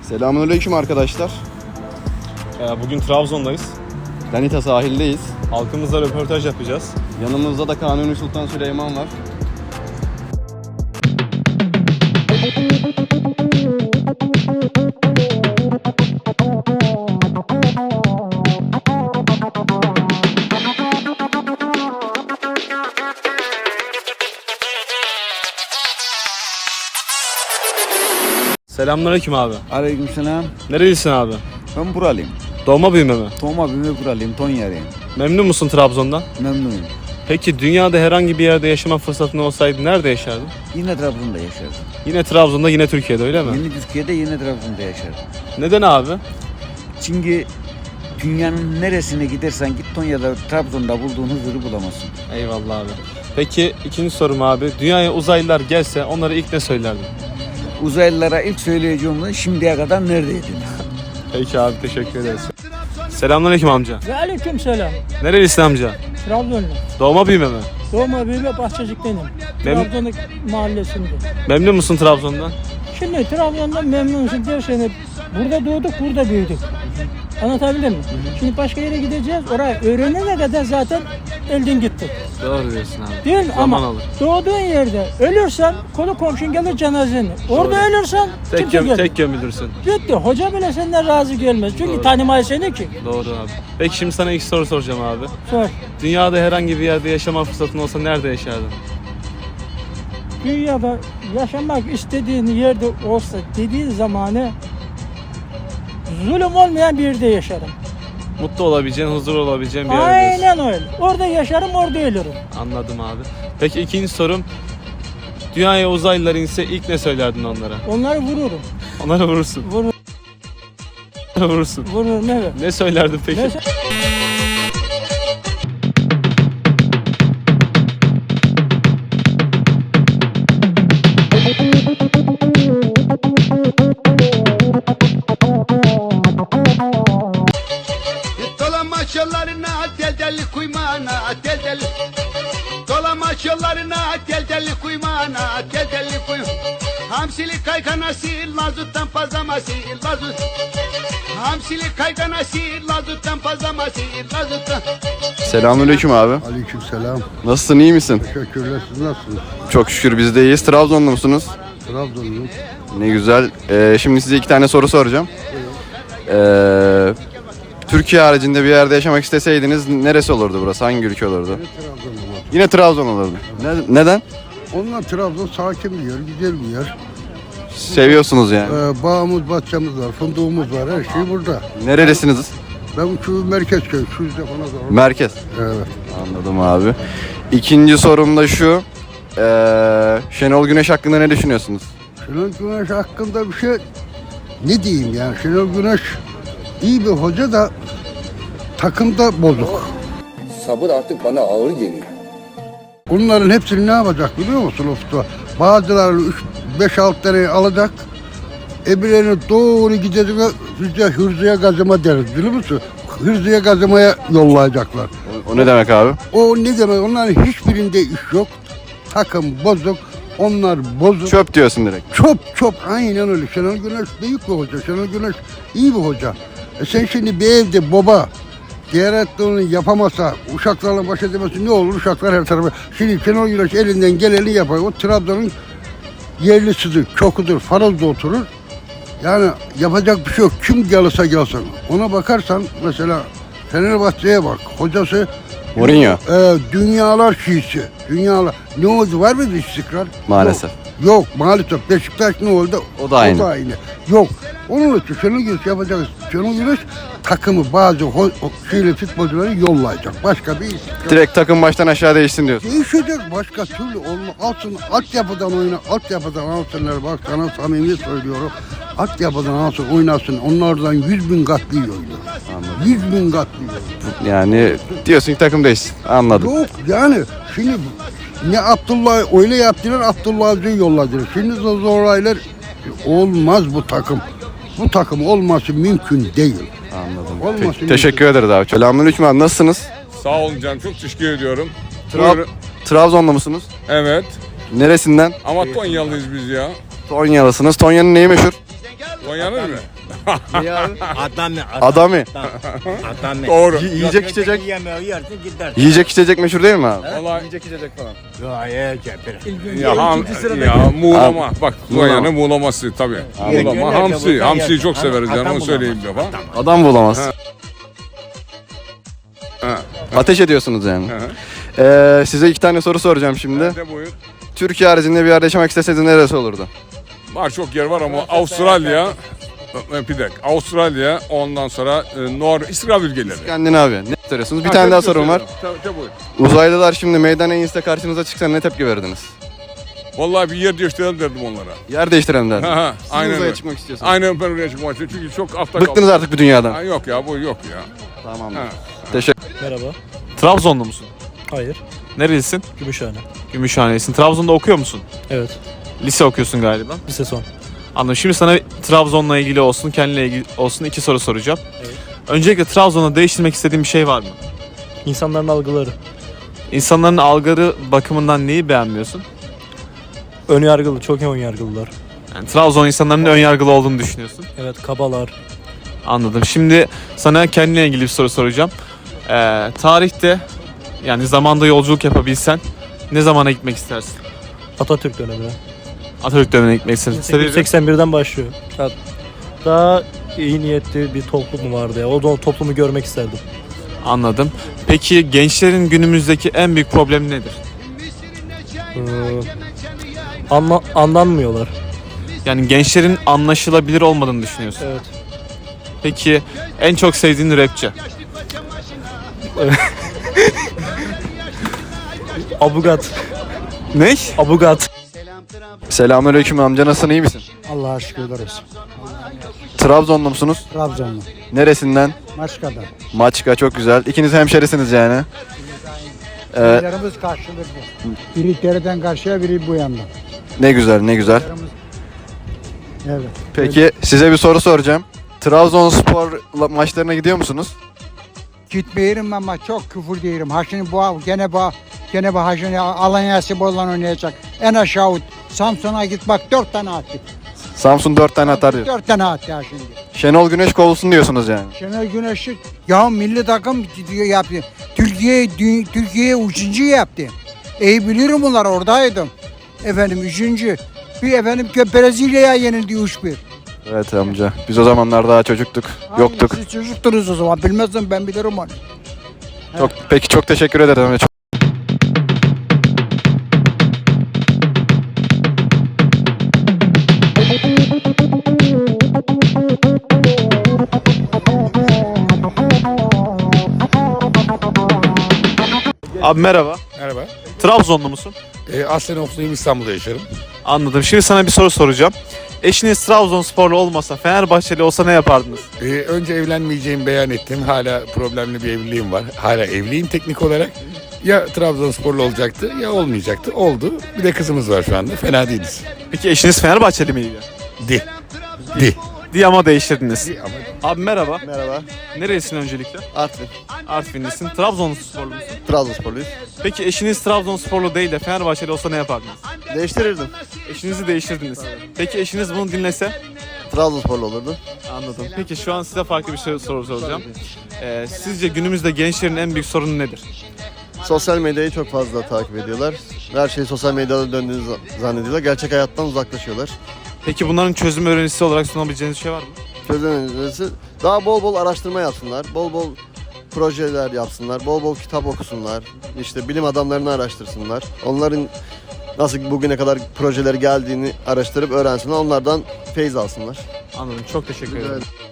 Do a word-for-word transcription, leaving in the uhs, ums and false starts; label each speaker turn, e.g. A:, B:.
A: Selamünaleyküm arkadaşlar.
B: Bugün Trabzon'dayız.
A: Danita sahildeyiz.
B: Halkımızla röportaj yapacağız.
A: Yanımızda da Kanuni Sultan Süleyman var.
B: Selamünaleyküm abi.
C: Aleykümselam.
B: Nerelisin abi?
C: Ben buralıyım.
B: Doğma büyüme mi?
C: Doğma büyüme buralıyım. Tonya'lıyım.
B: Memnun musun Trabzon'dan?
C: Memnunum.
B: Peki dünyada herhangi bir yerde yaşama fırsatın olsaydı nerede yaşardın?
C: Yine Trabzon'da yaşardım.
B: Yine Trabzon'da, yine Türkiye'de öyle mi?
C: Yine Türkiye'de, yine Trabzon'da yaşardım.
B: Neden abi?
C: Çünkü dünyanın neresine gidersen git Tonya'da, Trabzon'da bulduğun huzuru bulamazsın.
B: Eyvallah abi. Peki ikinci sorum abi. Dünyaya uzaylılar gelse onlara ilk ne söylerdin?
C: Uzaylılara ilk söyleyeceğim şimdiye kadar neredeydin?
B: Peki abi, teşekkür ederiz. Selamünaleyküm amca.
D: Ve aleyküm selam.
B: Nerelisin amca?
D: Trabzonlu.
B: Doğma büyüme mi?
D: Doğma büyüme Bahçecik'tenim.
B: Mem-
D: Trabzon'un mahallesinde.
B: Memnun musun Trabzon'dan?
D: Şimdi Trabzon'dan memnunsun dersen burada doğduk, burada büyüdük. Anlatabildim mi? Şimdi başka yere gideceğiz. Orayı öğrenene kadar zaten elden gitti.
B: Doğru diyorsun abi.
D: Değil mi?
B: Zaman
D: Ama
B: alır.
D: doğduğun yerde ölürsen kolu komşun gelir cenazeni. Orada
B: Doğru.
D: ölürsen
B: Tek,
D: kimse
B: göm-
D: gelmez.
B: tek gömülürsün.
D: Bitti. Hoca bile senden razı gelmez. Çünkü
B: Doğru.
D: tanımay seni ki.
B: Doğru abi. Peki şimdi sana iki soru soracağım abi.
D: Sor.
B: Dünyada herhangi bir yerde yaşama fırsatın olsa nerede yaşardın?
D: Dünyada yaşamak istediğin yerde olsa dediğin zamanı zulüm olmayan bir yerde yaşarım.
B: Mutlu olabileceğin, huzur olabileceğin bir yerde.
D: Aynen öyle. Orada yaşarım, orada ölürüm.
B: Anladım abi. Peki ikinci sorum. Dünyaya uzaylılar inse ilk ne söylerdin onlara?
D: Onları vururum.
B: Onlara vurursun.
D: Vurur,
B: Vurursun.
D: vururum evet.
B: Ne söylerdin peki?
D: Mesela
E: Dolamaç yollarına del deli kuymana del deli Dolamaç yollarına del deli kuymana del deli kuy Hamsili kayganası lazuttan pazaması lazut Hamsili kayganası lazuttan pazaması lazuttan
A: Selamünaleyküm abi.
F: Aleykümselam.
A: Nasılsın, iyi misin?
F: Teşekkürler. Siz nasılsınız?
A: Çok şükür biz de iyiyiz. Trabzonlu musunuz?
F: Trabzonluyum.
A: Ne güzel. Ee, şimdi size iki tane soru soracağım. Ee, Türkiye haricinde bir yerde yaşamak isteseydiniz neresi olurdu burası? Hangi ülke olurdu?
F: Trabzonluyum.
A: Yine Trabzon olurdu. Ne- neden?
F: Onlar Trabzon sakin bir yer, güzel bir yer.
A: Seviyorsunuz yani.
F: Ee, bağımız, bahçemiz var, fındığımız var, her şey burada.
A: Nerelisiniz?
F: Ben şu merkez köy, şu yüzde falan da var.
A: Merkez.
F: Evet.
A: Anladım abi. İkinci sorum da şu. Ee, Şenol Güneş hakkında ne düşünüyorsunuz?
F: Şenol Güneş hakkında bir şey ne diyeyim yani? Şenol Güneş iyi bir hoca da takımda bozuk.
G: Sabır artık bana ağır geliyor.
F: Bunların hepsini ne yapacak biliyor musun Ufuk'ta? Bazıları üç beş altı tane alacak. Öbürlerini doğru gidecek, bize hırzıya gazıma deriz biliyor musun? Hırzıya gazımaya yollayacaklar.
A: O, o ne demek abi?
F: O ne demek? Onların hiçbirinde iş yok. Takım bozuk. Onlar bozuk.
A: Çöp diyorsun direkt.
F: Çöp çöp aynen öyle. Şenol Güneş büyük bir hoca. Şenol Güneş iyi bir hoca. E sen şimdi bir evde baba diğer onu yapamasa, uşaklarla baş edemezsin ne olur? Uşaklar her tarafa. Şimdi Şenol Güneş elinden geleni yapar. O Trabzon'un yerlisidir, çokudur, Faroz'da oturur. Yani yapacak bir şey yok. Kim gelirse gelsin. Ona bakarsan mesela Fenerbahçe'ye bak. Hocası
A: Mourinho.
F: e, dünyalar şiisi. Dünyalar. Ne oldu? Var mıydı istikrar?
A: Maalesef.
F: Yok, yok maalesef. Beşiktaş ne oldu?
A: O da aynı.
F: O da aynı. Yok. Onun için Şenol Güneş yapacak. Şenol Güneş takımı bazı ho- o- şeyli futbolcuları yollayacak. Başka bir istikrar.
A: Direkt takım baştan aşağı değişsin diyorsun.
F: Değişecek başka türlü olma. Alsın altyapıdan oyna, altyapıdan alsınlar. Bak sana samimi söylüyorum. Altyapıdan alsın, oynasın. Onlardan yüz bin kat iyi oynuyor. Yüz bin kat iyi oynuyor.
A: Yani diyorsun ki takım değişsin. Anladım.
F: Yok yani şimdi ne Abdullah öyle yaptılar, Abdullah Avcı'yı yolladılar. Şimdi zorlaylar olmaz bu takım. Bu takım olması mümkün değil.
A: Anladım.
F: Olmasın
A: Te- teşekkür ederiz abi. Selamünaleyküm abi. Nasılsınız?
H: Sağ olun canım, çok teşekkür ediyorum.
A: Tra-
H: Buyurun.
A: Trabzonlu musunuz?
H: Evet,
A: Neresinden?
H: ama Tonyalıyız biz ya.
A: Tonyalısınız. Tonya'nın neyi meşhur?
H: O yanır mı?
A: Niye abi?
I: Adamı.
A: Adami.
I: Adamı.
H: Doğru.
A: Y- yiyecek içecek.
I: Yemeği yersin gider.
A: Yiyecek içecek meşhur değil mi abi?
H: Vallahi
A: Yiyecek içecek falan.
I: Gayet cepir.
H: ya, ham, ya muğlama. Bak Konya'nın muğlaması tabii. Muğlama, hamsi. Hamsiyi çok severiz yani onu söyleyeyim bir defa.
A: Adam bulamaz.
H: Ha.
A: Ateş ediyorsunuz yani.
H: Hı hı.
A: Ee, size iki tane soru soracağım şimdi.
H: De buyur.
A: Türkiye haricinde bir yerde yaşamak isteseydiniz neresi olurdu?
H: Var çok yer var ama Avustralya, bir dakika, Avustralya ondan sonra e, Nor İsrail ülkeleri.
A: Kendini abi. Ne soruyorsunuz? Bir
H: Ha,
A: tane
H: tabii,
A: daha
H: tabii,
A: sorum var.
H: tabii, tabii, buyur.
A: Uzaylılar şimdi meydana inse karşınıza çıksa ne tepki verdiniz?
H: Vallahi bir yer değiştirelim derdim onlara.
A: Yer değiştirelim derdim.
H: Ha, ha,
A: Siz
H: aynen
A: uzaya
H: öyle.
A: çıkmak istiyorsunuz.
H: Aynen ben oraya çıkmak istiyorum çünkü çok hafta
A: Bıktınız artık bu dünyadan.
H: Ha, yok ya bu yok ya.
A: Tamam.
H: Ha.
A: Teşekkür
J: Merhaba.
B: Trabzonlu musun?
J: Hayır.
B: Nerelisin?
J: Gümüşhane.
B: Gümüşhanelisin. Trabzon'da okuyor musun?
J: Evet.
B: Lise okuyorsun galiba.
J: Lise son.
B: Anladım. Şimdi sana Trabzon'la ilgili olsun, kendinle ilgili olsun iki soru soracağım.
J: Evet.
B: Öncelikle Trabzon'da değiştirmek istediğin bir şey var mı?
J: İnsanların algıları.
B: İnsanların algıları bakımından neyi beğenmiyorsun?
J: Önyargılı. Çok önyargılılar.
B: Yani Trabzon insanların ön yargılı olduğunu düşünüyorsun.
J: Evet. Kabalar.
B: Anladım. Şimdi sana kendine ilgili bir soru soracağım. Ee, tarihte yani zamanda yolculuk yapabilsen ne zamana gitmek istersin?
J: Atatürk dönemine.
B: Atatürk dönemine gitmek istersin.
J: bin sekiz
B: Sebebi?
J: yüz seksen birden başlıyor. Ya, daha iyi niyetli bir toplum vardı ya. O da o toplumu görmek isterdim.
B: Anladım. Peki gençlerin günümüzdeki en büyük problemi nedir?
J: Ee, anla, anlanmıyorlar.
B: Yani gençlerin anlaşılabilir olmadığını düşünüyorsun.
J: Evet.
B: Peki en çok sevdiğin rapçi?
J: Abugat.
B: Ne?
J: Abugat.
A: Selamünaleyküm amca, nasılsın, iyi misin?
F: Allah'a şükür ederiz.
A: Trabzonlu musunuz?
F: Trabzonlu.
A: Neresinden?
F: Maçka'da.
A: Maçka, çok güzel. İkiniz hemşerisiniz yani. Ee,
F: Yerimiz karşılıklı. Biri dereden karşıya, biri bu yandan.
A: ne güzel, ne güzel.
F: Evet.
A: Peki size bir soru soracağım. Trabzonspor la- maçlarına gidiyor musunuz?
F: Gitmeyelim ama çok küfür diyelim. Ha şimdi bu gene bu gene bu ha şimdi Alanya Spor'la oynayacak. En aşağı Samsun'a git bak dört tane attı.
A: Samsun dört tane atar diyor.
F: Dört tane attı ha şimdi.
A: Şenol Güneş kovulsun diyorsunuz yani.
F: Şenol Güneş'i ya milli takım diyor yaptı. Türkiye dü- Türkiye'ye üçüncü yaptı. İyi bilirim bunlar, oradaydım. Efendim üçüncü. Bir efendim Brezilya'ya yenildi üç bir.
A: Evet amca. Biz o zamanlar daha çocuktuk. Yoktuk.
F: Siz çocuktunuz o zaman, bilmezdim, ben bilirim onu.
A: Çok, peki çok teşekkür ederim amca. Çok-
B: Abi merhaba.
K: Merhaba.
B: Trabzonlu musun?
K: E, aslen Ofluyum, İstanbul'da yaşarım.
B: Anladım. Şimdi sana bir soru soracağım. Eşiniz Trabzonsporlu olmasa, Fenerbahçeli olsa ne yapardınız?
K: E, önce evlenmeyeceğimi beyan ettim. Hala problemli bir evliliğim var. Hala evliyim teknik olarak. Ya Trabzonsporlu olacaktı ya olmayacaktı. Oldu. Bir de kızımız var şu anda. Fena değiliz.
B: Peki eşiniz Fenerbahçeli miydi?
K: Di. Di.
B: Diye ama değiştirdiniz.
K: Di ama
B: Abi merhaba.
A: Merhaba.
B: Nerelisin öncelikle?
A: Artvin.
B: Artvinlisin. Trabzonsporlu musun?
A: Trabzonsporluyuz.
B: Peki eşiniz Trabzonsporlu değil de Fenerbahçeli olsa ne yapardınız?
A: Değiştirirdim.
B: Eşinizi değiştirdiniz. Peki eşiniz bunu dinlese?
A: Trabzonsporlu olurdu.
B: Anladım. Peki şu an size farklı bir şey soru soracağım. Ee, sizce günümüzde gençlerin en büyük sorunu nedir?
L: Sosyal medyayı çok fazla takip ediyorlar. Her şey sosyal medyada döndüğünü zannediyorlar. Gerçek hayattan uzaklaşıyorlar.
B: Peki bunların çözüm öğrenisi olarak sunabileceğiniz bir şey var mı?
L: Çözüm önerisi daha bol bol araştırma yapsınlar. Bol bol projeler yapsınlar. Bol bol kitap okusunlar. İşte bilim adamlarını araştırsınlar. Onların nasıl bugüne kadar projeleri geldiğini araştırıp öğrensinler. Onlardan feyz alsınlar.
B: Anladım. Çok teşekkür ederim.
L: Evet.